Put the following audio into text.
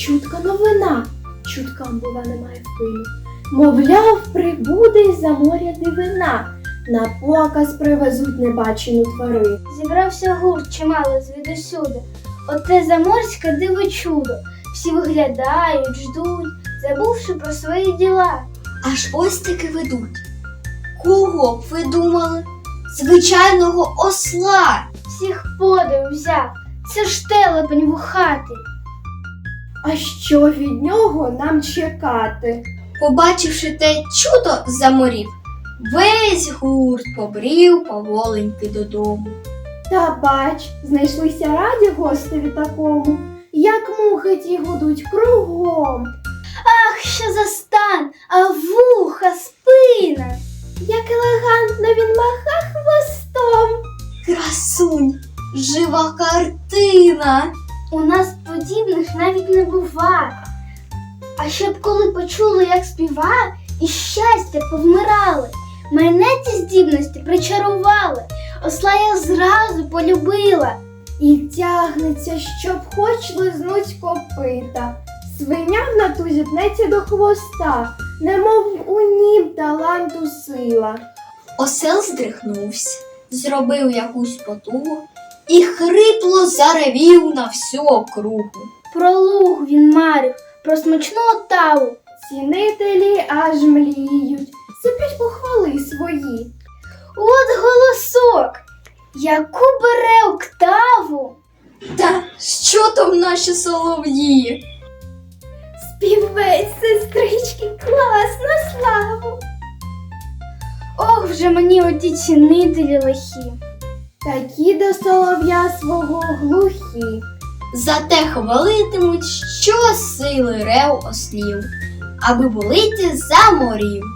чутка новина, чуткам, бува, немає впину. Мовляв, прибуде із-за моря дивина, на показ привезуть небачену тварину. Зібрався гурт чимало звідусюди, оте заморське диво чудо. Всі виглядають, ждуть, забувши про свої діла. Аж ось таки ведуть. Кого б ви думали? Звичайного осла. Всіх подив взяв, це ж телепень вухатий. А що від нього нам чекати? Побачивши те чудо з-за морів, весь гурт побрів поволеньки додому. Та бач, знайшлися раді гостеві такому, як мухи ті гудуть кругом. Ах, що за стан, а вуха, спина. Як елегантно він маха хвостом. Красунь, жива картина. У нас подібних навіть не бува. А щоб коли почули, як співає, і щастя повмирали. Мене ці здібності причарували, осла я зразу полюбила. І тягнеться, щоб хоч лизнуть копита. Свиня в натузі пнеться до хвоста, немов у нім таланту сила. Осел здригнувся, зробив якусь потугу і хрипло заревів на всю округу. Про луг він марив, про смачну отаву. Цінителі аж мліють, сиплють похвали свої. От голосок, яку бере октаву. Та що там наші солов'ї? Співець, сестрички, клас на славу. Ох, вже мені оті цінителі лихі. Такі до солов'я свого глухі. Зате хвалитимуть щосили рев ослів, аби були ті за морів.